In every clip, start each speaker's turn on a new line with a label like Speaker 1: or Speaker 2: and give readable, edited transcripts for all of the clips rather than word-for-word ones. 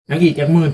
Speaker 1: นักอีกจากหมื่น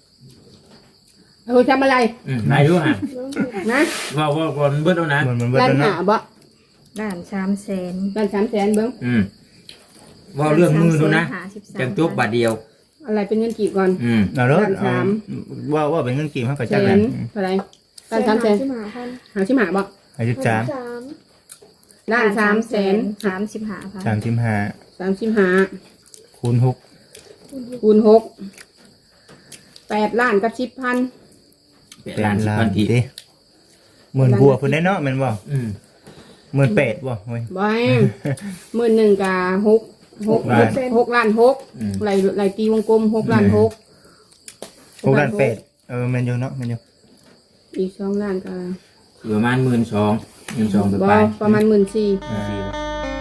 Speaker 2: ทำอะไร
Speaker 1: นายรู้ฮะ
Speaker 2: นะ
Speaker 1: ว่าก่อนเบิดแล้วนะ
Speaker 3: มันเบิด
Speaker 2: ร้าน
Speaker 3: แล้ว
Speaker 2: หา
Speaker 3: เนาะ
Speaker 2: บ่
Speaker 4: ด้าน300,000
Speaker 2: ร้าน300,000เบิ้ง
Speaker 1: ว่าเรื่องมือดูนะจังจบบาทเดียว
Speaker 2: อะไรเป็นเงินกี่ก่อน
Speaker 3: เอาเด้อ
Speaker 2: ด้านสาม
Speaker 3: ว่าเป็นเงินกี่เฮาก็
Speaker 2: แส
Speaker 3: จัก
Speaker 2: น
Speaker 3: นั้น
Speaker 2: เท่าไหร่ร้าน300,000หาชิมหาบ่
Speaker 3: อายุ3
Speaker 2: ร้าน300,000
Speaker 4: 35,000
Speaker 3: 35
Speaker 2: 35
Speaker 3: คูณ6
Speaker 2: คูณ6 8ล้านกับ10,000
Speaker 1: เป็นล้านสิบพันที
Speaker 3: ดิหมื่นบัวเพิ่นได้เนาะแม่นบ่ 18,000บ่โอ้ย
Speaker 2: บ่ให้11,000กับ6
Speaker 3: ล้าน
Speaker 2: 6ล้าน6ไหลตีวงกลม6ล้าน6
Speaker 3: 6ล้าน8แม่นอยู่เนาะแม่นอยู่
Speaker 2: อีก2ล้านก็
Speaker 1: ประมาณ12,000ไป
Speaker 2: บ่
Speaker 1: ไป
Speaker 2: ประมาณ14,000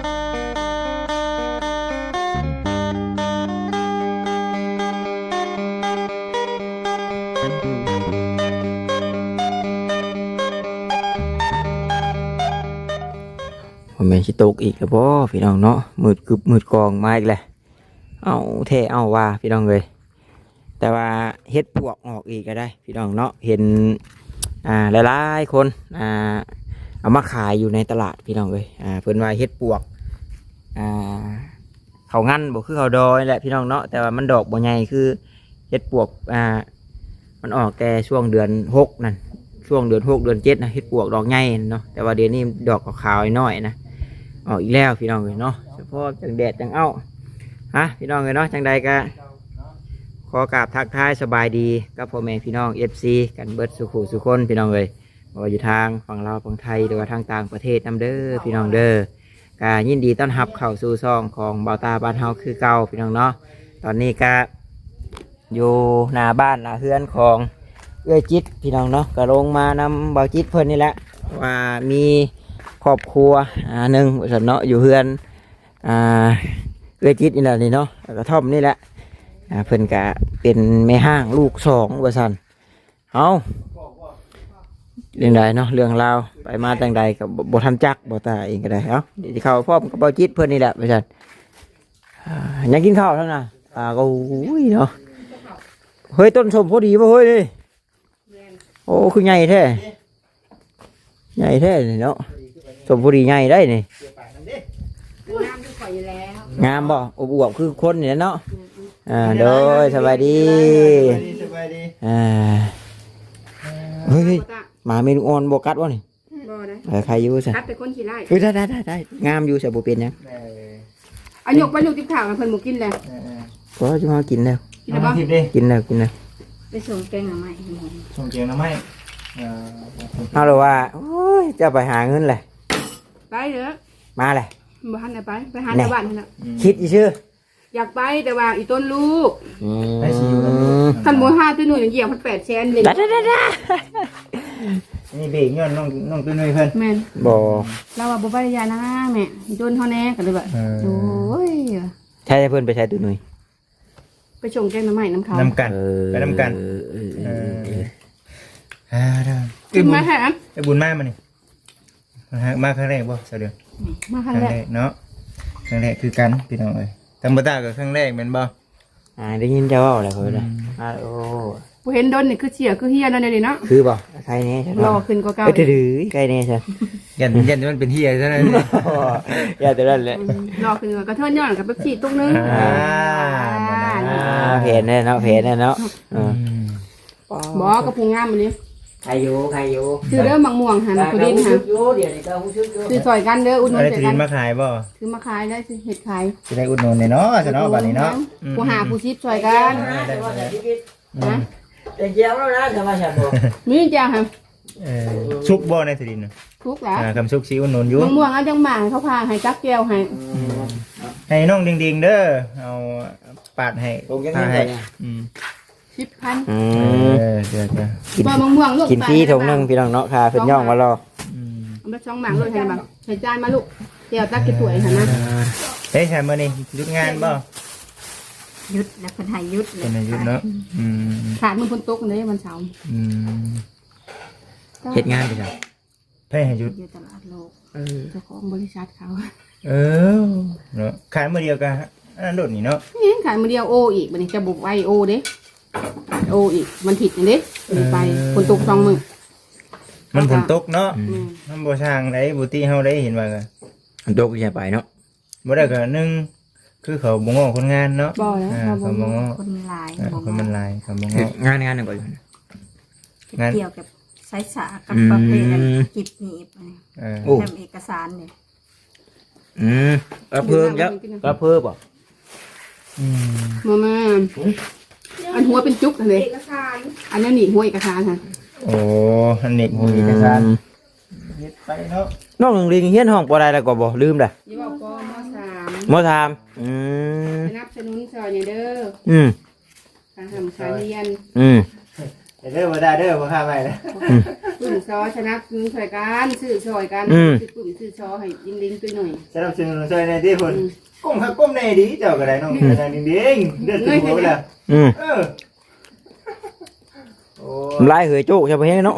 Speaker 5: ผมเป็นชิตกอีกแล้วบ่พี่น้องเนาะมืดกึบมืดกองมาอีกแล้วเอาเท่เอาว่าพี่น้องเลยแต่ว่าเฮ็ดปวกออกอีกก็ได้พี่น้องเนาะเห็นหลายๆคนเอามาขายอยู่ในตลาดพี่น้องเลยเพิ่นว่าเฮ็ดปวกเขางั้นบ่คือเขาดอยแหละพี่น้องเนาะแต่ว่ามันดอกบ่ใหญ่คือเฮ็ดปวกมันออกแต่ช่วงเดือน6นั่นช่วงเดือน6เดือน7นะเฮ็ดปวกดอกใหญ่เนาะแต่ว่าเดือนนี้ดอกขาวๆน้อยนะออกอีกแล้วพี่น้องเลยเนาะเฉพาะจังแดดจังเอ้าพี่น้องเลยเนาะจังใดก็ขอกราบทักทายสบายดีกับพ่อแม่พี่น้อง FC กันเบิดสุขุสุคนพี่น้องเลยว่าอยู่ทางฝั่งลาวฝั่งไทยหรือว่าทางต่างประเทศนำเด้อพี่น้องเด้อก็ยินดีต้อนรับเข้าสู่ซองของเบาตาบ้านเฮาคือเก่าพี่น้องเนาะตอนนี้ก็อยู่หน้าบ้านหน้าเฮือนของเอื้อจิตพี่น้องเนาะก็ลงมานำเบาจิตเพิ่นนี่แหละว่ามีครอบครัวหนึ่งบริษัทเนาะอยู่เฮือนเอื้อจิตนี่แหละนี่เนาะกระท่อมนี่แหละเพิ่นก็เป็นแม่ห้างลูก2บริษัทเอาเรื่องใดเนาะเรื่องราวไปมาจังใดกับบทันจักบ่ตาเองก็ได้เนาะเดี๋ยวเข้าพร้อมกับเบาจิตเพิ่นนี่แหละบริษัทอยากกินข้าวทั้งนั้นก็อุ้ยเนาะเฮ้ยต้นสมพอดีป่ะเฮ้ยนี่โอ้คือใหญ่แท้ใหญ่แท้นี่เนาะสมพอดีใหญ่ได้นี่
Speaker 2: น้ำที่ข่อยอยู่แล้ว
Speaker 5: งามบ่อวบคือคนนี่เนาะโดยสบายดี
Speaker 3: สบายดี
Speaker 5: เฮ้ยหมาเมนูอ่อนบ่กัดวะนี่
Speaker 2: บ่ได้
Speaker 5: ใครอยู่ซะ
Speaker 2: คัดเป็นคนขี้ไล่
Speaker 5: เฮ้ยได้งามอยู่ใส่บ่เป็นหยัง
Speaker 2: อันยกไปยกติ๊บข่าวเพิ่นบ่กินแล้ว
Speaker 5: พอจะมากินแล้ว
Speaker 2: กินแล้วบ่
Speaker 3: ทิพย์ดิ
Speaker 5: กินแล้ว
Speaker 4: ไปส่งแกงหน่อไม้
Speaker 3: ส่งเกียงน้ำไม้
Speaker 5: เอาเลยว่าโอ้ยจะไปหาเงินแหละ
Speaker 2: ไปเด้อ
Speaker 5: มาแหละ
Speaker 2: บ่ทันได้ไปหาชาวบ้านนั่นน่ะ
Speaker 5: คิดอีชื่อ
Speaker 2: อยากไปแต่ว่าอีต้นลูก
Speaker 3: ได้สิอยู่
Speaker 2: คันบ่หาตัวหนูเหยียบมัน800,000เลย
Speaker 5: ได้
Speaker 3: นี่เบรกย้อนน้องตุ้ยเพิ่น
Speaker 2: แม่น
Speaker 5: บ่
Speaker 2: เราว่าบ่ไปยานะแม่อีต้นเฮาแน่ก็เลยแบบโอ้ย
Speaker 5: ใช่เพิ่นไปใช้ตัวหนุ่ย
Speaker 2: ไปส่งแกงหน่อไม้น้ำเขา
Speaker 3: นำกันไปนำกัน
Speaker 2: กินมาแฮะ
Speaker 3: ไอ้บุญมากมันนี่มาครั้งแรกบ่เสดือน
Speaker 2: มา
Speaker 3: ค
Speaker 2: คัน
Speaker 3: รั้ง
Speaker 2: แร
Speaker 3: แร
Speaker 2: ก
Speaker 3: กเนาะครั้งแรกคือกันพี่น้องเอ้ยธรรมดากับครั้งแรกแม่นบ่
Speaker 5: ได้ยินเจ้าว่าอะไรเพิ่นเลยโอ้
Speaker 2: บ่เห็นดนนี่คือเสียคือเฮียนั่นนี่เนาะ
Speaker 5: คือบ่ใครแน่ใช่
Speaker 2: รอขึ้นกว่าเก่า
Speaker 5: ถือใครแน่ใช่
Speaker 3: ยันมันเป็นเฮียซะนั่น
Speaker 5: อย่าแต่นั้นแหละ
Speaker 2: รอขึ้นกว่ากระเทินย้อนกับเป๊ปซี่ตุ๊กนึง
Speaker 5: เพนเนาะ
Speaker 2: บ่กระพุงงามมื้อนี้
Speaker 5: ใครอยู่
Speaker 2: ซื้อเด้อมังม่วงหั่นผู้ดินหั่น
Speaker 5: เดี๋ยวนี้ก็ฮู้สึกอยู่
Speaker 2: ซื้อซอยกันเด้ออุดหนุ
Speaker 3: อะ
Speaker 2: น
Speaker 3: ไร
Speaker 2: ใส่
Speaker 3: จะ
Speaker 2: กั
Speaker 3: ดิ
Speaker 2: น
Speaker 3: นมาขายบ่
Speaker 2: ซื้อมาขายได้ซื้อเห็ดขาย
Speaker 3: จะได้อุดหนุนเนาะซะเนาะบัดนี้เนาะ
Speaker 2: ผู้หาผู้ชิปซอยกัน นะ
Speaker 5: เป็นเจ้าแล้วนะจะมาฉันบ่
Speaker 2: มีจ้าค่ะ
Speaker 3: ซุกบ่ในสิดินน่ะ
Speaker 2: ทุกแล้ว
Speaker 3: คำซุกสิอุดหนุนอยู่
Speaker 2: มังม่วงเอาจังหมาเขาพาให้จักแก้วให้
Speaker 3: ให้น้องดิงๆเด้อเอาปาดให้
Speaker 5: ผมยัง
Speaker 3: พา
Speaker 5: ไม่
Speaker 3: ให้
Speaker 5: ได้
Speaker 2: 10,000
Speaker 3: เดี๋ยว
Speaker 2: บ่มะม่วงลูก
Speaker 5: กินฟรีถุงนึงพี่น้องเนาะค่ะเพิ่นย่องมารอ
Speaker 2: เอามาช่องหมางเลยให้บังใส่จานมาลูกแก้วตักกี่ถ้วยหั่นนะ
Speaker 3: เฮ้ยแซมมื้อนี้หยุดงานบ่
Speaker 4: ยุดแล้วคนไทยยุดเล
Speaker 3: เป็
Speaker 4: ย
Speaker 3: นหยุดเนาะ
Speaker 2: ขาดมือพ้นตกเลยวันเสาร์
Speaker 5: เฮ็ดงานไปจ้ะ
Speaker 3: เพ่ให้หยุด
Speaker 4: อยู่ตลาดโลก
Speaker 2: เจ้าของบริษัทเขา
Speaker 3: เนาะขายมื้อเดียวกันอันนั้นโดดนี่เนาะ
Speaker 2: นี่ขายมือเดียวโออีกบัดนี้จะบุกไอโอเด้โออีกมันผิดอย่างนี้ไปคนตก2 มื้อ
Speaker 3: มันฝนตกเนาะ
Speaker 2: อืม
Speaker 3: มันบ่ช่างได้บ่ตีเฮาได้เห็นว่าก็
Speaker 5: มันตกใช่ไปเนาะ
Speaker 3: บ่ได้ก็หนึงคือเขาบ่ง้อคนงานเนาะ
Speaker 2: บ่แล้ว
Speaker 3: เขาบ่ง้อ
Speaker 4: คนหลาย
Speaker 3: คนมันหลายเขาบ่ง้อง
Speaker 5: านหนึ่งก่อน
Speaker 3: งาน
Speaker 4: เกี่ยวกับสายสากับประเภทกิบหนีบอันนี้
Speaker 5: โอ้
Speaker 4: ทำเอกสารเนี่ย
Speaker 5: กระเพิ่งแล้วกระเพิ่มบ่
Speaker 3: อืม
Speaker 2: มาอันหัวเป็นจุกเลยอันนั้นนี่หัวเอกสารค่ะ
Speaker 3: โอ้อันนี้บ่มีเอกสารเฮ็ดไปเนาะ
Speaker 5: น้องหนึ่งลิงเฮียนห้องปอได้แล้วก็บ่ลืมเด้อ
Speaker 2: ยี่บอกปม.3
Speaker 5: มอทาม
Speaker 2: สนับสนุนสอนอย่างเด้อ
Speaker 5: อืม
Speaker 2: การทำการเรียน
Speaker 3: เด้อบ่ได้เด้อบ่ค่าไว้นะ
Speaker 2: ปุ่มซอสนับสนุนช่วยกันซื้อช่วยกันซื้อปุ่มซื้อซอให้ยิงลิงตัวหน่อย
Speaker 3: สนับสนุนช่วยในที่เพิ่นก้มหักก้มในดีเจ้าก็ได้น้องกระดานดิ่งๆเด้อถึงหัวแล้วเออโอ้
Speaker 5: ลายเหยโจ๊กใช่ปะเฮ้เนาะ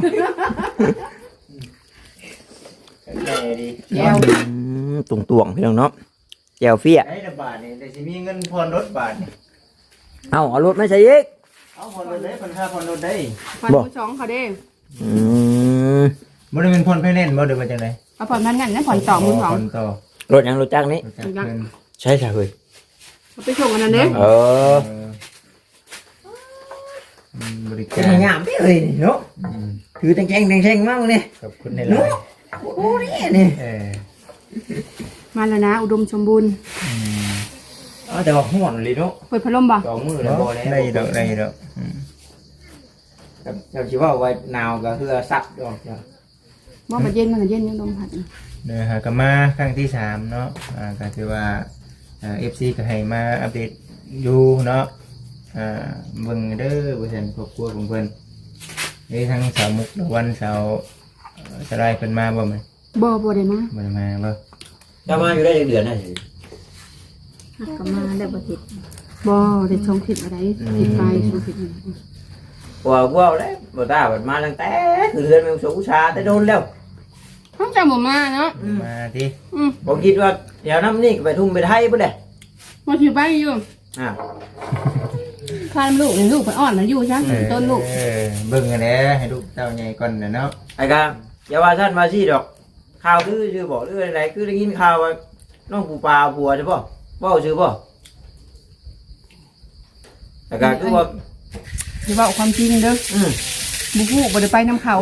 Speaker 3: แน่ดี
Speaker 2: แก้ว
Speaker 5: ตุ่งตวงพี่น้องเนาะแจวเฟี้ย
Speaker 3: ไอ้บาทนี่ได้สิมีเงินผ่อนรถบาทนี่
Speaker 5: เอารถไม่ใช่อีก
Speaker 3: เอาผ่อนรถได้ผ่อนค่าผ่อนรถได้
Speaker 2: ผ่อนมือสองเขาเด้
Speaker 3: บ่ได้เป็นผ่อนไฟแนนซ์บ่ได้ว่าจังได๋
Speaker 2: เอาผ่อนพันนั่นนั่นผ่อนต่อมือสอง
Speaker 3: ผ่อนต่อ
Speaker 5: รถยังรถจักรนี้
Speaker 3: รู้จักเพิ่น
Speaker 5: ใช่ใช่เฮ้ย
Speaker 2: เอาไปส่งอันนั้นเด้
Speaker 5: เออ
Speaker 3: บริ
Speaker 5: เป็
Speaker 3: กาน ร
Speaker 5: งามพี่เอ้ยเนาะคือแทงมากเลย
Speaker 3: ขอบคุณในไลน์
Speaker 5: โอ้นี่นี่
Speaker 2: มาแล้วนะอุดมสมบูรณ์
Speaker 5: แต่ว่าห่อนเลยเนาะ
Speaker 2: เปิดพัดลมบ่
Speaker 5: สองมือแล้วบ่แล้ว
Speaker 3: ได้ดอกได้ดอก
Speaker 5: เราคิดว่าไว้หนาวก็คือซักดอกจ้ะ
Speaker 2: บ่มาเย็นมันเย็นยังลมพัด
Speaker 3: เด้อฮะก็มาครั้งที่3เนาะก็ถือว่าFC ก็ให้มาอัปเดตอยู่เนาะเบิ่งเด้อบ่ซั่นครอบครัวของเพิ่นนี่ทั้งสาวมุกวันสาวสลายเพิ่นมาบ่แม่น
Speaker 2: บ่ได้มา
Speaker 3: บ่ได้มาบ่
Speaker 5: จะมาอยู่ได้เดือนน่ะสิ
Speaker 4: ก็มาได้บ่ผิด
Speaker 2: บ่ได้ช่องผิดอะไรผิดไปช่องผิด
Speaker 5: ว่าđấyบ่ตาบัดมาตั้งแต่คือเดือนมันสูชาแต่โดนแล้ว
Speaker 2: ต้องจำบ่มาเนาะ
Speaker 3: มาติ
Speaker 5: บ่คิดว่าเดี๋ยวน้ำนี่ไปทุ่มไปไทยบ่ได้
Speaker 2: มาถือไปอยู่
Speaker 5: อ่า
Speaker 2: พาลูกลูกเพิ่นอ่อนมันอยู่ซะต้นลูก
Speaker 3: เบิ่งกันแหละให้ลูกเต้าใหญ่ก่อนน่ะเนาะ
Speaker 5: ไอ้กาอย่าว่าท่านว่าสิดอกข่าวคือชื่อบอกหรืออะไรคือได้ยินข่าวว่าน้องปูปลาผัวใช่ป่ะบ่ชื่อป่ะไอ้กาคือว่า
Speaker 2: อย่าเว้าความจริงเด้อบ่ฮู้บ่ได้ไปนำเขา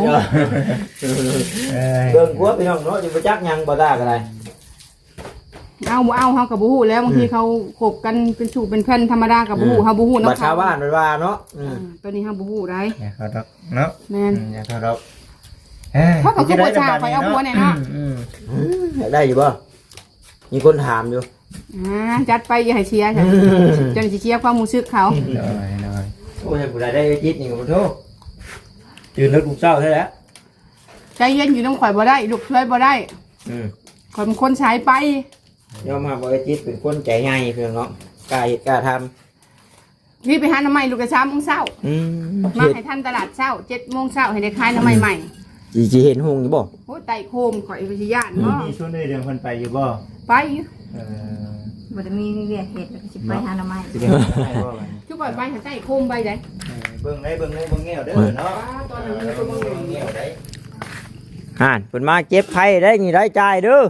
Speaker 5: เบิ่งผัวพี่น้องเนาะสิบ่จักหยังบ่ตาก็ได้
Speaker 2: เอาบ่เอาเฮาก็บ่ฮู้แล้วบางทีเขาคบกันเป็นชู้เป็นแฟนธรรมดาก็บ่ฮู้เฮาบ่ฮู้
Speaker 5: บัด
Speaker 2: นำ
Speaker 5: ชา
Speaker 2: เขา
Speaker 5: วบ้านว่าเนาะ
Speaker 2: ตอนนี้เฮาบ่ฮู้ได้
Speaker 3: อย่าเขาดอกเนาะ
Speaker 2: แม่น
Speaker 3: อย่าเขาดอก
Speaker 2: เขาก็คือประชาคอยเอาผัวเนี่ยเนาะ
Speaker 5: อยากได้อยู่ป่ะมีคนถามอยู่
Speaker 2: จัดไปอย่าให้เชียร์จ้ะจนสิเชียร์ความรู้สึกเขา
Speaker 3: น้อย
Speaker 5: โอ้ยผู้ใดได้จิตนี่ก็บ่โทษตื่นแล้วลูกเศร้าใช่แล้ว
Speaker 2: ใจเย็นอยู่ต้องข่อยบ่ได้ลูกช่วยบ่ได้ข่อยเป็นคนใช้ไป
Speaker 5: ยอมมาบ่ได้จิตเป็นคนใจง่ายเพิ่นเนาะกล้าเฮ็ดกล้าทำ
Speaker 2: พี่ไปหาหน้ำใหม่ลูกกระช้าโมงเช้ามาให้ท่านตลาดเช้า7 โมงเช้าให้ได้ขายหน้ำใหม่ใหม่
Speaker 5: สิเห็นหงอยู่บ่
Speaker 2: โอ้ไต่โคมข่อยไปสิย่าน
Speaker 3: ๆ
Speaker 2: เนาะ
Speaker 3: มีช่วงได้เดือนคนไปอยู่บ่
Speaker 2: ไป
Speaker 4: บ่ได้มีเรียกเหตุแล้วก็สิไปหาหน่อไม้
Speaker 3: สิเป็นไปบ่บัดนี้
Speaker 2: ทุกข่อยไปหาไต่โคมไปได้
Speaker 3: เบิ่งได้เบิ่งงูเบิ่งแง่วเด้อเนาะ
Speaker 2: ตอนนั้นมีคนมา
Speaker 3: เบิ่งแง่วได้
Speaker 5: ห่านเพิ่นมาเก็บไข่ได้นี่ได้จ่ายเด้อ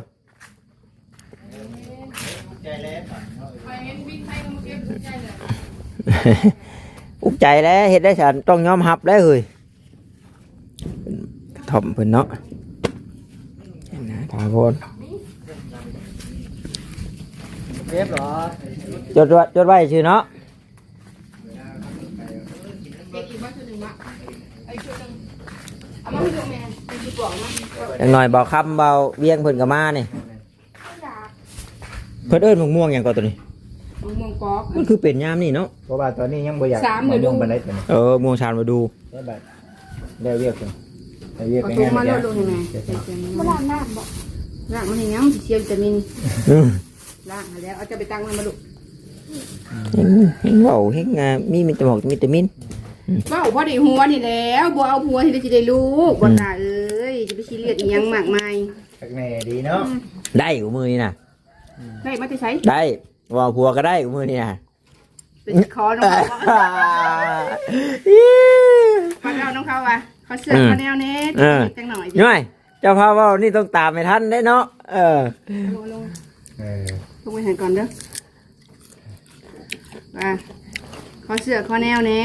Speaker 3: ใจแล้ว
Speaker 2: ไปเห็นบินไทยมาเก็บใจเลย
Speaker 5: อุกใจแล้วเฮ็ดได้ฉันต้องยอมรับได้เฮ้ยกระถ่อมเพิ่นเนาะนะถามคน
Speaker 3: เรียบร้อย
Speaker 5: จดไว้ชื่อเนาะ
Speaker 2: เก็บอีกบ้านชุดหนึ่งวะไอ้ชุดหนึ่งเอามาให้ดูแม่เป็นชุดบอกมา
Speaker 5: อย่างหน่อยเบาคำเบาเวียงเพิ่นก็มานี่เพิ่นเอิ้นมะม่วงหยังก่อนตัวนี้
Speaker 2: มองกอก
Speaker 5: มันคือเป็นยามนี่เนาะ
Speaker 3: เพราะว่าตอนนี้ยังบ่อยาก
Speaker 2: 3 มื้อดู
Speaker 3: บันไดตัวนี้
Speaker 5: ม่วงชานมาดู
Speaker 3: ได้บัดได้เรียกเพิ่นได้เรียก
Speaker 2: ประ
Speaker 3: ไป
Speaker 2: ตู
Speaker 3: งาน
Speaker 2: มา
Speaker 3: เดี
Speaker 2: แล้
Speaker 3: ยว ว
Speaker 2: ดูให้แม่มาล้างน้ำบ่ล้างมันให้ยังสิเชียร์วิตามิน
Speaker 5: อืม
Speaker 2: ล้างให้แล้วเอาจะไปตั้งมันมาลูก
Speaker 5: เห็นเว้าเห็นมีวิตามินวิตามิน
Speaker 2: เว้าบ่ได้หัวนี่แล้วบ่เอาผัวที่ได้สิได้ลูกบ่ตาเอ้ยจะไปซีเรียสอีหยังมากมาย
Speaker 3: สักแน่ดีเนาะ
Speaker 5: ได้อยู่มือนี่น่ะ
Speaker 2: ได้มาแต่ไส
Speaker 5: ได้ว่าผัวก็ได้อยู่มือนี่น่ะ
Speaker 2: เป็นคอน้องเขาฟังเอาน้องเขาว่ะเขาเสือกเขาแนวนี้จังหน่อย
Speaker 5: ย่อยเจ้าพาเว่านี่ต้องตามให้ทันได้เนาะ
Speaker 2: ลง
Speaker 3: เออ
Speaker 2: ลงไปเห็นก่อนเด้อว่าเขาเสือกเขาแนวนี้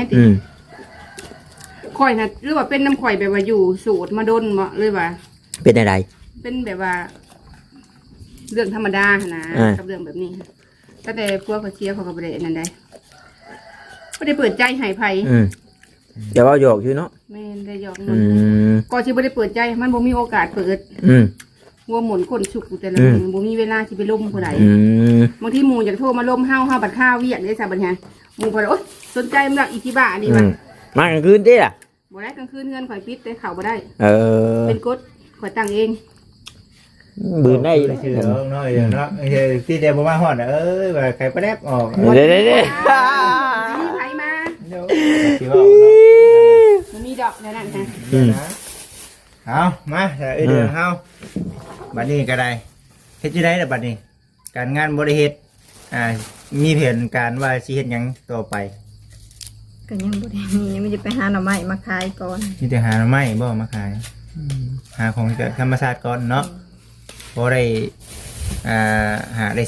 Speaker 2: ข่อยนะหรือว่าเป็นน้ำข่อยแบบว่าอยู่สูตรมาดนบ่เลยว่า
Speaker 5: เป็นอะไร
Speaker 2: เป็นแบบว่า เรื่องธรรมดานะกับเรื่องแบบนี้ก็แต่พวกเขาเชียร์เขาก็บ่ได้นั่นได้บ่ได้เปิดใจให้ไผ
Speaker 5: เดี๋ยวเอาหยอกอยู่เนาะ
Speaker 2: แม่นได้ยอมก่อนที่บ่ได้เปิดใจมันบ่มีโอกาสเปิดวัวหมุนคนฉุกแต่ละมื้อบ่มีเวลาสิไปล้มผู้ใดบางทีหมู่อยากโทรมาล้มเฮาบัดข้าวเวียกได้ซะบัดนี้หมู่บ่ได้โอ๊ยสนใจมันละอีทิบ้านี่ว่ะ
Speaker 5: มากลางคืนดิล่ะ
Speaker 2: บ่ได้กลางคืนเงินข่อยปิดแต่เข้าบ่ได้
Speaker 5: เป็น
Speaker 2: กฎข่อยตั้งเอง
Speaker 5: บืนได้
Speaker 3: ชื่อเนาะเนาะที่เดียวบ่มาฮอดเอ้ยว่าใครประแดบออก
Speaker 5: เด้
Speaker 2: มีไผมา
Speaker 3: สิว่าเนาะ
Speaker 2: บ่มีดอกนั่นฮะ
Speaker 3: เอามาแต่เดือเฮาบัดนี้ก็ได้เฮ็ดจังได๋ล่ะบัดนี้การงานบ่ได้เฮ็ดมีแผนการว่าสิเฮ็ดหยังต่อไป
Speaker 4: ก็ยังบ่ได้มียังไม่ได้ไปหาหน่อไม้มาขายก่อน
Speaker 3: มีแต่หาหน่อไม้บ่มาขายหาของจากธรรมชาติก่อนเนาะพอได้หาได้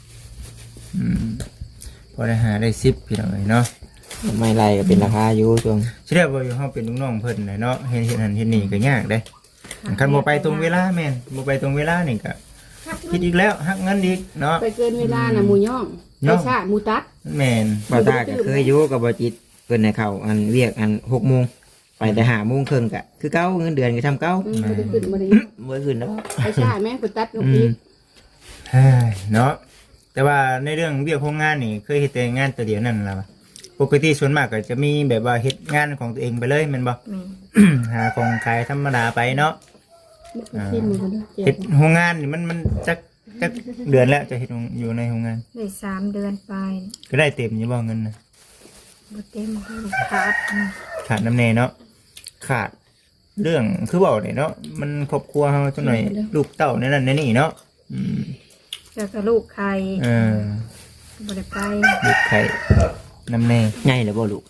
Speaker 3: 10พอได้หาได้10พี่น้องเอ้ยเนาะ
Speaker 5: ไม่ไรก็เป็นราคาอยู่ช่วง
Speaker 3: สิได้บ่อยู่เฮาเป็นลูกน้องเพิ่นน่ะเนาะเฮ็ดนั่นเฮ็ดนี่ก็ยากเด้คันบ่ไปตรงเวลาแม่นบ่ไปตรงเวลานี่ก็คิดอีกแล้วหักเงินอีกเนาะ
Speaker 2: ไปเกินเวลาน่ะหมู่ย่องไปชาหมู่ตัด
Speaker 3: แม่น
Speaker 5: บ่ตาก็เคยอยู่กับบ่จิตเพิ่นให้เข้าอันเวียกอัน 6:00 นไปแต่5:30 นก็คือเก่าเงินเดือนก็ทำเก่า
Speaker 2: บ่ได้ขึ้นบ่ได้
Speaker 5: บ่ขึ้นดอก
Speaker 2: ไปชาแม่ไปตัดนกอีก
Speaker 3: เฮ้ยเนาะแต่ว่าในเรื่องเวียกโรงงานนี่เคยเฮ็ดแต่งานตัวเดียวนั่นล่ะปกติส่วนมากก็จะมีแบบว่าเฮ็ดงานของตัวเองไปเลยแม่นบ่ หาของขายธรรมดาไปเนาะเฮ็ดโรงงานนี่มันจักเดือนแล้วจะเฮ็ดอยู่ในโรงงาน
Speaker 4: ได้3 เดือนไป
Speaker 3: ก็ได้เต็มอยู่บ่เงินน่ะ
Speaker 4: บ่เต็มขาด
Speaker 3: ขาดน้ำแน่เนาะขาดเรื่องคือเว้าได้เนาะมันครอบครัวเฮาจังหน่อยลูกเต้าในนั้นในนี่เนาะ
Speaker 4: แล้วก็ลูกไข่บ่ได้ไป
Speaker 3: ลูกไข่น้ำแน่
Speaker 5: ใหญ่แล้วบ่ลูก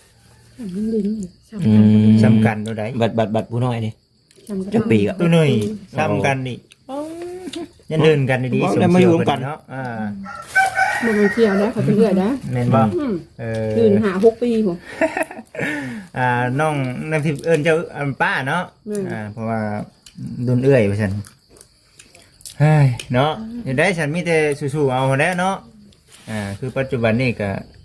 Speaker 3: สำคัญตัวใด
Speaker 5: บัดผู้น้อยนี่จักปีก็
Speaker 3: ตัวหน่อยซ้ำกันนี่ยันเดินกันดีๆ
Speaker 5: แล้วมาอยู่ร่วมกัน
Speaker 3: เนาะ
Speaker 2: บ่มาเที่ยวนะเขาเป็นเรื่อยนะ
Speaker 3: แม่นบ่
Speaker 2: ยืนหา6 ปีผม
Speaker 3: น้องน้ำทิพย์เอิ้นเจ้าป้าเนาะเพราะว่าดุนเอื้อยว่าซั่นเฮ้ยเนาะเดี๋ยวได้ฉันมีแต่สู้ๆเอาแล้วเนาะคือปัจจุบันนี่ก็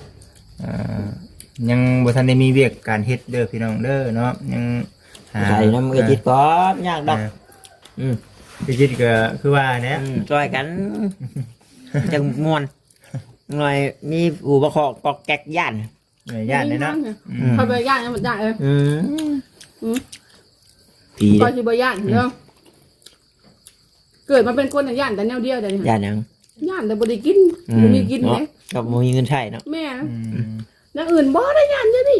Speaker 3: ยังบ่ทันได้มีเวียกการเฮ็ดเด้อพี่น้องเด้อเนาะยัง
Speaker 5: ใส่น้ำมือจิตก่อนยากดอก
Speaker 3: พี่จิตก็คือว่าเนี่ย
Speaker 5: ช่วยกันจังม่วนหน่อยมีอู่ประคอกปอกแก๊กย่าน
Speaker 3: ย่านเลยเนาะ
Speaker 2: เขาไปย่านมันได้
Speaker 5: ผี
Speaker 2: ก็ที่บ่ย่านเนาะเกิดมาเป็นคนย่านแต่แนวเดียวแต่
Speaker 5: ย่านยัง
Speaker 2: ย่านแต่บ่ได้กินบ่มีกินเลย
Speaker 5: กับบ่มีเงินใช้เนาะ
Speaker 2: แม่แล้วอื่นบ่ได้ย่านเด้อนี่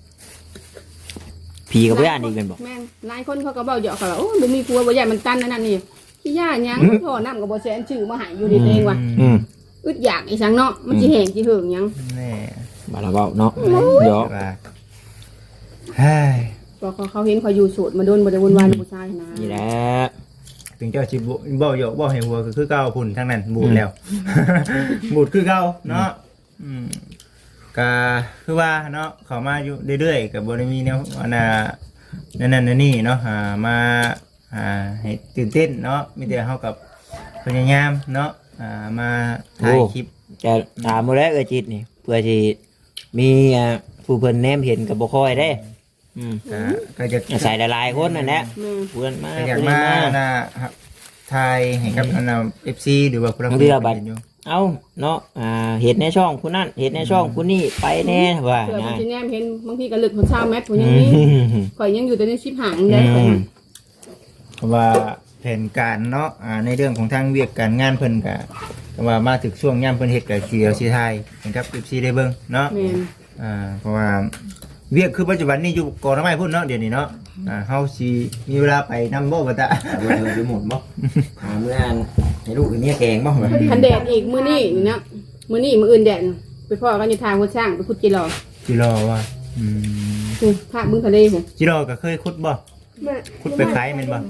Speaker 5: ผีกับย่านอีกเป็นบ่
Speaker 2: แม่หลายคนเขาก็เว้าเหยาะเขาว่าโอ้บ่มีครัวบ่ย่านมันตันนั่นนี่ที่ย่านหยังพ่อน้ำก็บ่แสนชื่อมาให้อยู่ดีเองว่ะอึดอยากอีสังเนาะมันสิแห้งสิเหิงหยัง
Speaker 3: แน่
Speaker 5: บ่ละเว้าเนาะเดี๋ยว
Speaker 3: เฮ้ย
Speaker 2: ก็เขาเห็นเขาอยู่โสดมาโดนบ่ได้วุ่นวายกับผู้ชายนะ
Speaker 5: นี่แหละ
Speaker 3: ถึงเจ้าสิบ่เหยาะบ่ให้หัวก็คือเก่าพุ่นทั้งนั้นบูดแล้วบูดคือเก่าเนาะก็คือว่าเนาะเขามาอยู่เรื่อยๆกับบริมีแนวนั่นนี่เนาะมาให้ตื่นเต้นเนาะมีแต่เขากับพยายามเนาะมาถ่ายคลิป
Speaker 5: จะถามมาแล้วจิตนี่เพื่อที่มีผู้เพิ่นแนมเห็นกับบ่ค่อยได้
Speaker 3: ก็จะ
Speaker 5: ใส่หลายๆคนนั่นแหละเพื่อนมา
Speaker 3: อยากมาถ่ายให้กับFC หรือว่าผู้รับ
Speaker 5: อยู่เอาเนาะเห็นในช่องคุณนั่นเห็นในช่องคุณนี่ไปแน่ว่า
Speaker 2: เผื่อจะแนมเห็นบางทีก็ลึกคนชาวแมทผมยังนี้ข่อยยังอยู่แต่ในชิปห่างได้
Speaker 3: ว่าแผนการเนาะในเรื่องของทางเวียกการงานเพิ่นก็ว่ามาถึงช่วงย่ำเพิ่นเฮ็ดก็เสียวสิไทยเห็นครับ FC ได้เบิ่งเนาะเพราะว่าเวียกคือปัจจุบันนี้อยู่ก่อนไม่พุ่นเนาะเดี๋ยวนี้เนาะเฮาสิมีเวลาไปนำบ่บ่ตะ
Speaker 5: อยู่หมดบ่เมื่อให้ลูกนี่แกงบ่
Speaker 2: คันแดดอีกมื้อนี้เนาะมื้อนี้มื้ออื่นแดดไปพ่อกันอยู่ทางหัวช่างไปขุดจิรอ
Speaker 3: จิรอว่า
Speaker 2: นี่ภาคบึงทะเลผม
Speaker 3: จิรอก็เคยขุดบ่ขุดไปขายแม่นบ่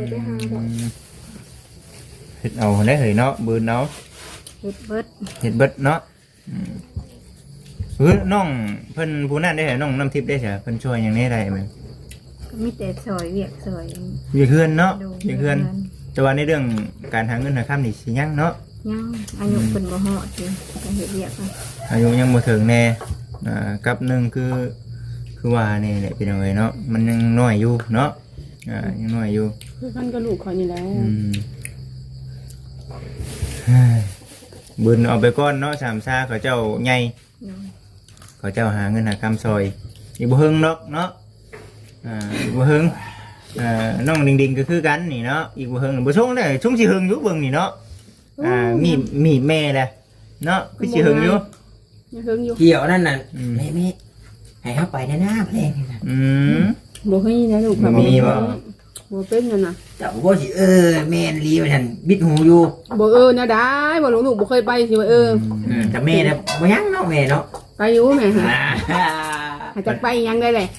Speaker 3: เฮ็ดเอาได้เหยเนาะบืนเนาะ
Speaker 4: เฮ็ดเบิด
Speaker 3: เฮ็ดเบิดเนาะน้องเพิ่นผู้นั้นได้เหรอน้องน้ำทิพย์ได้เหรอเพิ่นช่วยอย่างนี้ได้ไหม
Speaker 4: ก็มีแต่ซอยเวียกซอย
Speaker 3: อยู่เฮือนเนาะ
Speaker 4: ดู
Speaker 3: อยู่เฮือนแต่ว่าในเรื่องการหาเงินหาค่ำนี่สิยังเนาะ
Speaker 4: ยังอายุเพิ่นบ่ฮอดสิก็เฮ็ดเวียกอะ
Speaker 3: อายุยังบ่ถึงแน่กับหนึ่งคือว่านี่แหละพี่น้องเอ้ยเนาะมันยังน้อยอยู่เนาะยังน้อยอยู่
Speaker 2: คือกันก็ลูกเขานี่แหละ
Speaker 3: บุญเอาไปก้อนเนาะสามซาเขาเจ้าใหญ่
Speaker 4: โดย
Speaker 3: เขาเจ้าหาเงินหาคำซอยอีกบ่เฮิงเนาะเนาะอีกบ่เฮิงน้องดิงก็คือกันนี่เนาะอีกบ่เฮิงบ่ชงได้ชงสิเฮิงอยู่เบิ่งนี่เนาะมีแม่แหละเนาะคือสิเฮิงอยู่
Speaker 2: ยังเฮิงอยู่
Speaker 1: เกี่ยวนั่นน่ะแม่ให้เข้าไปในหน้าเพลงนี่นะ
Speaker 2: บ่เฮ้ยนะลูก
Speaker 3: มีบ่
Speaker 2: บ่เป็นนั่นน่ะ
Speaker 1: จับบ่สิแม่นลีไปทันบิดหูอยู่
Speaker 2: บ่นะได้บ่ลูกบ่เคยไปสิว่า
Speaker 1: แต่แม่น่ะบ่ยังเนาะแม่เนาะ
Speaker 2: ไปอยู่แม่หา
Speaker 1: อ่า
Speaker 2: จะไปยังได้เลย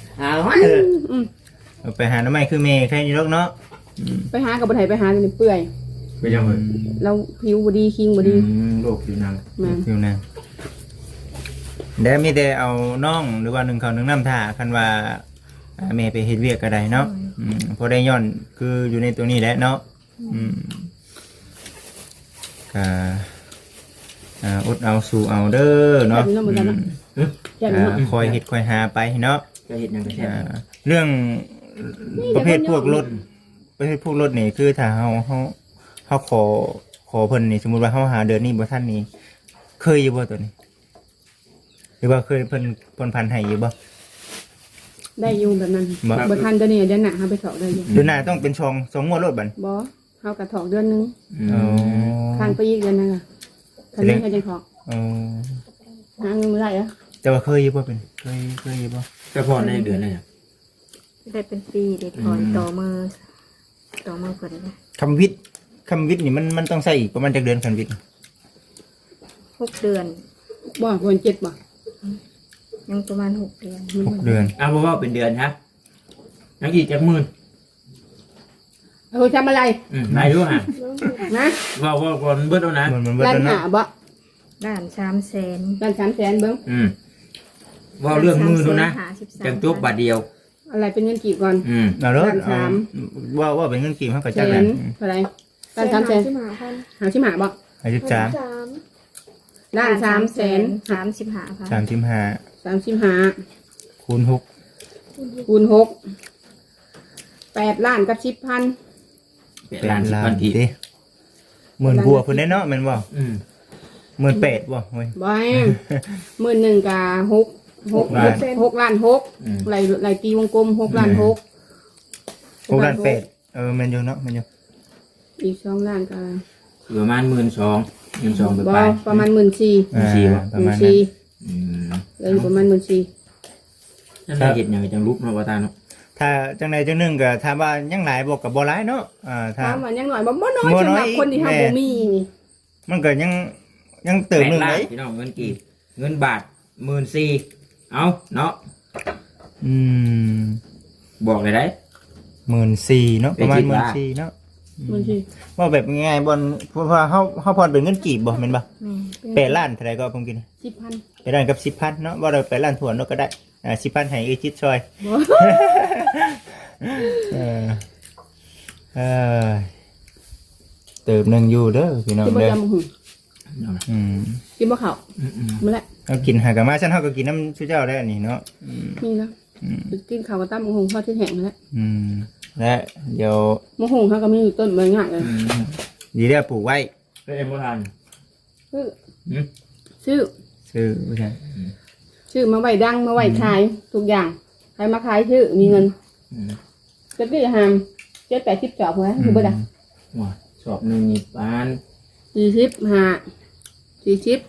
Speaker 3: ไปหาหน่อไม้คือแม่แค่นี้ลูกเนาะ
Speaker 2: ไปหากับบ่ได้ไปหานี่เปื่อย
Speaker 1: ไปยังเลย
Speaker 2: เราผิวบ่ดีคิงบ่ดี
Speaker 1: โรคผิวหนัง
Speaker 2: แม่น
Speaker 3: อยู่นะเดี๋ยวมีแต่เอาน้องหรือว่าหนึ่งเขาวหนึ่งน้ำท่าคันว่าแม่ไปเฮ็ดเวียกก็ได้เนาะพอได้ย้อนคืออยู่ในตัวนี้แหละเนาะอดเอาสู่เอาเด้อเนาะ
Speaker 2: แก่นเนาะ
Speaker 3: คอยเฮ็ดคอยหาไปเนาะ
Speaker 1: ก็เห็นยังก็แช่
Speaker 3: เรื่องประเภทพวกรถนี่คือถ้าเฮาขอเพิ่นนี่สมมุติว่าเฮาหาเดือนนี้บ่ทันนี่เคยอยู่บ่ตัวนี้ หรือว่าเคยเพิ่นพันให้อยู่บ่
Speaker 2: ได้อยู่แบบนั้นบ่ทันเดือนนี้เดือนหน้าเฮาไปถอกได้อยู่
Speaker 3: เดือนหน้าต้องเป็น2งวดรถบัด
Speaker 2: บ่เฮากะถอกเดือนนึง
Speaker 3: อ๋อ
Speaker 2: ข้างไปอีกเดือนนึงอ่ะคันนี้ก็จะถอก
Speaker 3: อ๋อ
Speaker 2: หาเงินบ่ได้อ่ะ
Speaker 3: แต่ว่าเคยอยู่บ่เป็นเคยอยู่บ่
Speaker 1: ก็พอในเดือนเลย
Speaker 4: ได้เป็นปีได้ถอนต่อมือเพิ่นนะ
Speaker 3: คำวิทย์นี่มันต้องใช้อีกประมาณจักเดือนคำวิทย์
Speaker 4: 6 เดือน
Speaker 2: บ่ควร7บ่
Speaker 4: ยังประมาณ6 เดือน
Speaker 3: 6 เดือน
Speaker 1: อ้าวบ่ว่าเป็นเดือนครับนักอีกจักหมื่น
Speaker 2: เออทำอะไร
Speaker 1: ได้ด้วยฮะ
Speaker 2: นะ
Speaker 1: ว่าก่อนเบิดแล้วนะ
Speaker 3: มันเบิด
Speaker 2: ร้าน
Speaker 3: แล้ว
Speaker 2: หา
Speaker 3: เนาะ
Speaker 2: บ่
Speaker 4: ด้าน300,000
Speaker 2: ร้าน300,000เบิ่ง
Speaker 1: ว่าเรื่องมือดูนะจังจบบาทเดียว
Speaker 2: อะไรเป็นเงินกี่ก่อน
Speaker 3: เอาเด้อ
Speaker 2: ร้านสาม
Speaker 3: ว่าเป็นเงินกี่เฮาก็
Speaker 2: แส
Speaker 3: จัก
Speaker 2: น
Speaker 3: นั้น
Speaker 2: เท่าไหร่ร้าน300,000หาชิมหาบ่
Speaker 3: 53
Speaker 2: ร้าน300,000
Speaker 4: 35,000
Speaker 3: 35
Speaker 2: 35
Speaker 3: คูณ6
Speaker 2: คูณ6 8ล้านกับ10,000
Speaker 1: เป็นล้านสิบพันที
Speaker 3: ดิหมื่นบัวเพิ่นได้เนาะแม่นบ่18,000บ่เว้ย
Speaker 2: บ่ให้11,000กับ6
Speaker 3: ล้าน
Speaker 2: 6ล้าน6ไหลตีวงกลม6ล้าน6
Speaker 3: 6ล้าน8แม่นอยู่เนาะแม่นอยู่
Speaker 2: อีก2ล้านก็
Speaker 1: ประมาณ12,000ไป
Speaker 2: บ่
Speaker 1: ไป
Speaker 2: ประมาณ14,000
Speaker 3: ประมาณนั้น
Speaker 2: เลยประมาณ14,000
Speaker 1: นั่นได้เห็นอย่างจังลุกเนาะว่าตาเนาะ
Speaker 3: ถ้าจังใดจังหนึงก็ถามว่ายังหลายบ่ก็บ่หลายเนาะถ้า
Speaker 2: ถามว่ายังหน่อยบ่น้อย
Speaker 3: บ่น้อย
Speaker 2: สำหรับคนที่เฮาบ่มีนี่
Speaker 3: มันก็ยังเติมหนึง
Speaker 1: 8
Speaker 3: เล
Speaker 1: ล้าน
Speaker 3: ย
Speaker 1: พี่น้องเงินกี่เงินบาท14,000เอาเนาะบอกเลยได้
Speaker 3: 14,000เนาะประมาณ
Speaker 1: เป็นสิบ
Speaker 3: 14,000เนาะ
Speaker 2: มันสิ
Speaker 3: ว่าแบบง่ายๆบนเพราะว่าเฮาพรเป็นเงินกีบบ่แม่นบ่
Speaker 4: แม่
Speaker 3: 8ล้านเท่าไหร่ก็ผมกิน
Speaker 2: 10,000
Speaker 3: 8ล้านกับ 10,000 เนาะบ่ได้8ล้านถ้วนเนาะก็ได้10,000ให้อีกจิตช่วย
Speaker 2: บ่
Speaker 3: เออเติมหนึงอยู่เด้อพี่น้อง
Speaker 2: กินบ่
Speaker 3: เด้อ
Speaker 2: จำหู กินบ่ข้าวมื้อละ
Speaker 3: เอากินหากะมาฉันเฮาก็กินน้ำชูเจ้าได้อันนี้เนาะ
Speaker 2: นี่นะกินข้าวกับตำหมูหุงทอดที่แห้งแล้ว
Speaker 3: และเดี๋ยว
Speaker 2: หมูหุงเฮาก็มีอยู่ต้นใบงาเลย
Speaker 3: ดีเด้อปลูกไว้
Speaker 1: เป็นเอ็มโบราณ
Speaker 2: ซื้อ
Speaker 3: ซื้อบ่ใช่
Speaker 2: ชื่อมาไว้ดังมาไว้ขายทุกอย่างใครมาขายชื่อมีเงินจะได้หาม7-80จอบหัวอยู่บ่ได้
Speaker 1: ว้าชอบหนึ่งนี่ปาน
Speaker 2: 40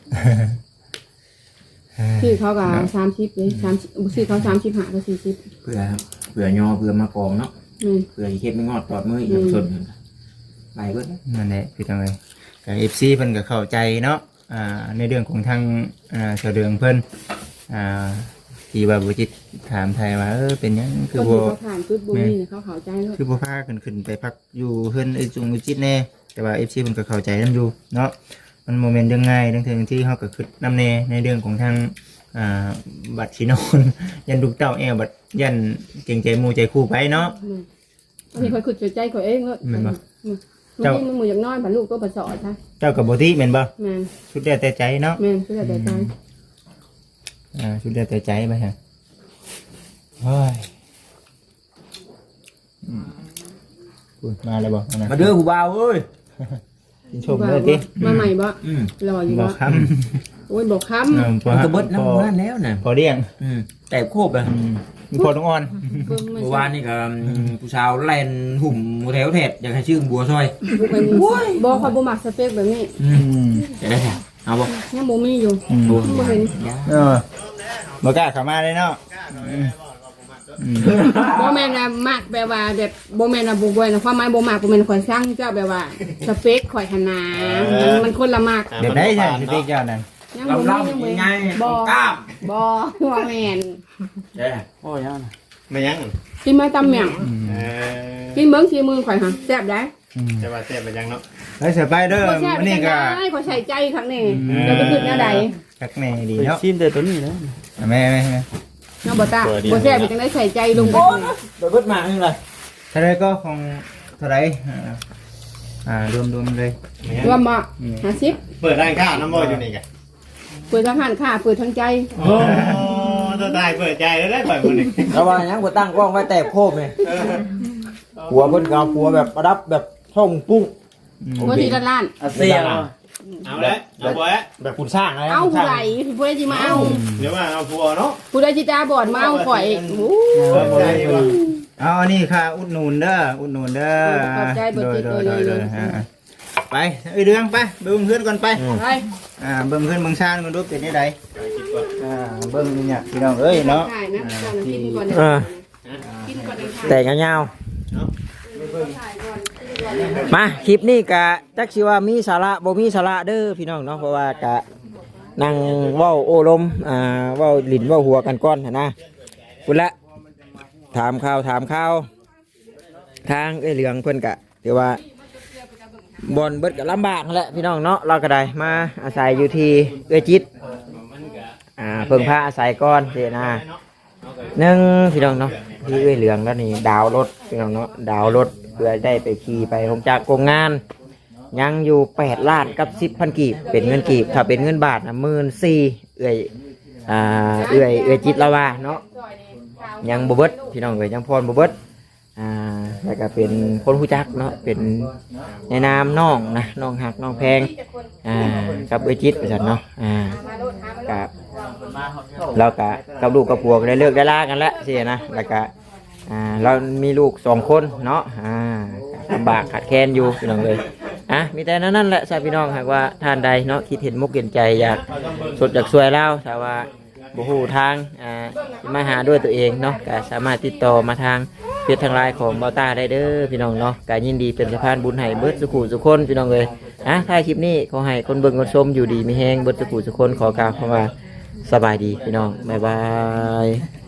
Speaker 2: ชื่อเขาก็30เลย30ชื่อเขา35กับ40
Speaker 1: เผื่อยอเผื่อมากองเนาะเผื่อเฮ็ดไม่งอดตอดมืออีกสดไปเบิด
Speaker 3: นั่นแหละพี่น้องเอ้ยกับ FC เพิ่นก็เข้าใจเนาะในเรื่องของทางเสดืองเพิ่นที่ว่าบ่จิตถามไทยว่าเป็นหยังคือบ่
Speaker 2: เขาผ่านจุดบ่มีเขาเข้าใจแล้ว
Speaker 3: คือบ่พาขึ้นไปพักอยู่เพิ่นไอ้จุงจิตแน่แต่ว่า FC เพิ่นก็เข้าใจนำอยู่เนาะมันโมเมนต์ยังง่ายทั้งที่เฮาก็คิดนำแน่ในเรื่องของทางบัตรสินอน ยันลูกเต้าแอวบัดยันเก่งใจหมู่ใจคู่ไปเนาะ
Speaker 2: อันนี้คอยขุดใจคอยเองเนาะ
Speaker 3: แม่นบ่
Speaker 2: เจ้ามันหมูอย่างน้อยผันลูกตัวประสอดใช่
Speaker 3: เจ้าก็บ่ติแม่นบ่
Speaker 2: แม่น
Speaker 3: สุดแล้วแต่ใจเนาะ
Speaker 2: แม่นเพื่อแต่ใจ
Speaker 3: สุดแล้วแต่ใจไปฮะเฮ้ยพูดมาแล้วบ่นะ
Speaker 1: มาเด้อผู้บ่าวเอ้ย
Speaker 3: กินชมเลยติ
Speaker 2: มาใหม่บ่
Speaker 1: อืม
Speaker 2: รออยู่
Speaker 3: บ่
Speaker 2: บ่
Speaker 3: ค้ำ
Speaker 2: โอ้ยบอกค้
Speaker 3: พอ
Speaker 1: มันก็เบิดน้ำนั่นแล้วน่ะ
Speaker 3: พอเลี้ยง
Speaker 1: แต่โคบอ่ะ
Speaker 3: มีพอต้องอ่อน
Speaker 2: ำเพิ่มไม่
Speaker 1: เมื่อ
Speaker 2: ใช่
Speaker 1: วานนี่ก็ผู้สาวแล่นหุ่มแถวแถดอยากให้ชื่อบัวซอย
Speaker 2: บอกเขาบ่มักสเปคแบบนี้
Speaker 1: จะได้แถวเอาบ่
Speaker 2: ยังบ่มีอยู่
Speaker 3: อืม
Speaker 2: บ่เห็น
Speaker 3: บ่กล้าเข้ามาเลยเนาะ
Speaker 2: บ่แม่นน่ะมักแบบว่าแบบบ่แม่นน่ะบ่บ่นะความหมายบ่มักบ่แม่นข่อยสร้างเจ้าแบบว่าสเปคข่อยหันนามันคนละมัก
Speaker 3: เดี๋ยวได้ใช่สิเจ้านั่น
Speaker 2: ยังบ่มี
Speaker 1: ลำ
Speaker 2: ยัง
Speaker 1: ๆ
Speaker 2: บ่
Speaker 1: ยังไง
Speaker 2: บ่
Speaker 1: กล้าม
Speaker 2: บ่ว่าแม่น
Speaker 1: เด้อ
Speaker 5: โอ้ยยัง
Speaker 6: ไม่ยัง
Speaker 2: กินมาตำแหม่ง
Speaker 6: เออ
Speaker 2: กินเบิ่งสีมือข่อยหั่นแซ่บได้
Speaker 6: จะมาเสียไปยังเนาะ
Speaker 3: แล้วเสือไปเด้อ
Speaker 2: บ่แซ่บ
Speaker 3: วันนี้ก็
Speaker 2: ได้ข่อยใส่ใจครั้งนี้เดี๋ยวจะขึ้นแนวใด
Speaker 3: คักแน่ดีเนาะ
Speaker 5: ชิมแต่ตัวนี้นะ
Speaker 3: แม่
Speaker 2: เนาะบ่ตาบ่แซ่บเป็นจังได๋ใส่ใจลงไปเลย
Speaker 5: เบิดมานี่เลย
Speaker 3: เท่าไรก็ของเท่าไรรวมเลย
Speaker 2: รวมบ่50
Speaker 6: เปิดร้านข้าวน้ำบ่อยู่นี่กัน
Speaker 2: เปิดทั้งหันค่าเปิดทั้งใจ
Speaker 6: โอ้ตัวตายเปิดใจแล้วได้ปล่อยคนหนึ่ง
Speaker 5: ระวังยังบ่ตั้งกล้องไว้แต่โคบนี่หัวเพิ่นก็เอาหัวแบบประดับแบบช่องปุ้ง
Speaker 2: บ่ทีละล้าน
Speaker 5: อาเซียน
Speaker 6: เอาแล้วเอาบ่แล้ว
Speaker 5: แบบคุณสร้างอะไร
Speaker 2: เอาผู้ใดผู้ใดสิมาเอา
Speaker 6: เดี๋ยวว่าเอาผัวเนาะ
Speaker 2: ผู้ใดสิตาบอดมาเอาข่อยโอ้
Speaker 6: เปิดใจว่า
Speaker 3: เอาอันนี้ค่ะอุดหนุนเด้อไปเรื่องไปเบิ่งเพื่อนก่อนไป
Speaker 2: ไป
Speaker 3: เบิ่งเพื่อนเบิ่งชาติกันดูเป็นยังไงเบิ่งนี่เนี่ยพี่น้องเอ้ยเนาะ
Speaker 2: ใช่นะก่อนกินก่อนกินก่อนเลยค่ะ
Speaker 5: แต่งยาวมาคลิปนี้กะจักสิว่ามีสาระบ่มีสาระเด้อพี่น้องเนาะเพราะว่ากะนั่งเว้าโอ้ลมเว้าลิ้นเว้าหัวกันก่อนนะพุ่นละถามข่าวทางเหลืองเพิ่นกะเดี๋ยวว่าบอนเบิดก็ลำบากนั่นแหละพี่น้องเนาะเราก็ได้มาอาศัยอยู่ที่จิตเพิ่งพาอาศัยก่อนเจนะหนึ่งพี่น้องเนาะที่เหลืองแล้วนี่ดาวรถพี่น้องเนาะดาวรถเพื่อได้ไปขี่ไปลงจากโรงงานยังอยู่8 ล้านกับ 10,000 กีบเป็นเงินกีบถ้าเป็นเงินบาทนะ14,000เอื้อยจิตละว่าเนาะยังบ่เบิดพี่น้องเอ้ยยังพรบ่เบิดแล้วก็เป็นคนรู้จักเนาะเป็นในนามน้องนะน้องหักน้องแพงกับเอื้อยจิตว่าซั่นเนาะกับเรากับลูกกับผัวก็ได้เลิกได้ลากันแล้วสินะแล้วก็เรามีลูก2 คนเนาะลำบากขาดแคลนอยู่พี่น้องเลยมีแต่นั่นแหละชาวพี่น้องหากว่าท่านใดเนาะคิดเห็นมุกเห็นใจอยากสดอยากช่วยเราแต่ว่าบ่ฮู้ทางมาหาด้วยตัวเองเนาะก็สามารถติดต่อมาทางเพจทางไลน์ของเบาต้าได้เด้อพี่น้องเนาะก็ยินดีเป็นสะพานบุญให้เบิดสุขุสุคนพี่น้องเลยท้ายคลิปนี้ขอให้คนเบิ่งคนชมอยู่ดีมีแฮงเบิดสุขุสุคนขอกล่าวคำว่าสบายดีพี่น้องบ๊ายบาย